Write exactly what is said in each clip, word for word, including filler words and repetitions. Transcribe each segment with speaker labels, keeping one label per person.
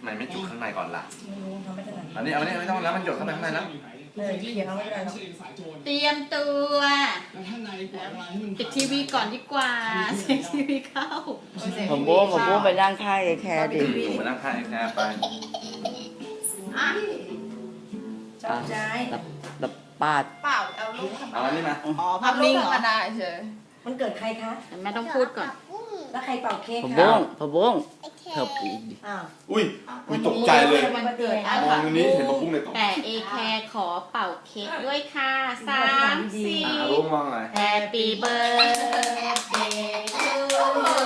Speaker 1: มันไม่จุกข้างในก่อนล่ะ
Speaker 2: ไม่รู้ทำไม่ถนัด
Speaker 1: อันนี้เอาอันนี้ไม่ต้องแล้วมันหยดเข้าไปข้างในแล้ว
Speaker 2: เออเดี๋ยวเอาไม่ได้หรอก
Speaker 3: เตรียมตัวปิดทีวีก่อนดีกว่าเสียงทีวีเข้า
Speaker 4: ผมโบ้ผมโบ้ไปนั่งข้างไอ้แคร์ดิ
Speaker 1: หนูมานั่งข้างไอ้แคร์ไป
Speaker 3: อ่ะ
Speaker 2: ชอบใจ
Speaker 4: แล้วแล้วปาด
Speaker 3: เปล่าเอาลูก
Speaker 1: เอาอันนี้มา
Speaker 3: อ๋อภาพนิ่งเหรอ
Speaker 2: มันเกิดใครคะ
Speaker 3: แม่ต้องพูดก่อน
Speaker 2: แล้วใครเป่าเค้ก
Speaker 4: ผม
Speaker 2: คะ
Speaker 4: โบ้งผมโบ้งเถิบอีกดิ
Speaker 2: อ้าว
Speaker 1: อุ้ยอุ้ยตกใจเลย
Speaker 2: วันเกิด
Speaker 3: อ่ะ
Speaker 1: มองตรงนี้เห็นปะปุ้งเลยตก
Speaker 3: แต่เอแคร์ขอเป่าเค้กด้วยค่ะสามสี่
Speaker 1: อ่ารุ้งมองอะไร
Speaker 3: Happy birthday to you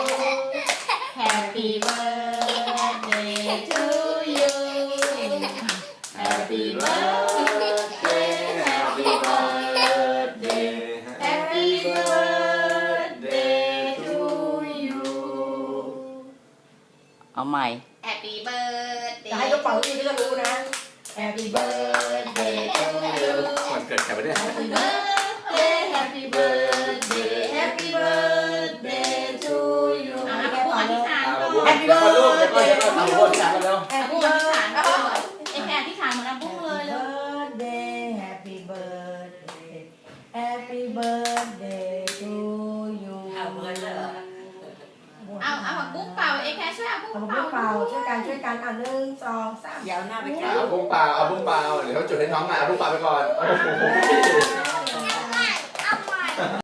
Speaker 3: Happy birthday to you Happy birthday Happy birthday Happy birthday to you
Speaker 4: เอาใหม่
Speaker 3: Happy birthday
Speaker 2: จะให้เขาเป่าที่ก็รู้นะ Happy birthday to you
Speaker 1: วันเกิดใครไปเนี่ย
Speaker 3: Happy birthday Happy birthday Happy birthday to you อ่ะพูดอธิษฐาน
Speaker 1: อ่า
Speaker 3: ก่อ
Speaker 1: บุ้ง
Speaker 3: น
Speaker 1: เดี๋ยวก่อนลูกเดี๋ยวก่อนเดี๋ยวก่อนเอาบุ้งจับกันแล้ว
Speaker 2: Happy
Speaker 3: พูดอธิษฐานก่อนไอ้แค่อธิษฐานเหมือนน้ำบุ้งเลยเลย
Speaker 2: birthday Happy birthday Happy birthday to you
Speaker 3: เอาเอาผักบุ้งเป่าเอ้แค่ช่วยเอาบุ้ง
Speaker 2: เอา
Speaker 3: เป่า
Speaker 2: เป่าช่วยกันช่วยกันอ่ะหนึ่งสองสาม
Speaker 3: เดี๋ยวหน้าไป
Speaker 1: เอาบุ้งเปล่าเอาบุ้งเปล่าเดี๋ยวเขาจุดให้น้องหน่อยเอาบุ้งเปล่าไปก่อนโอ้โห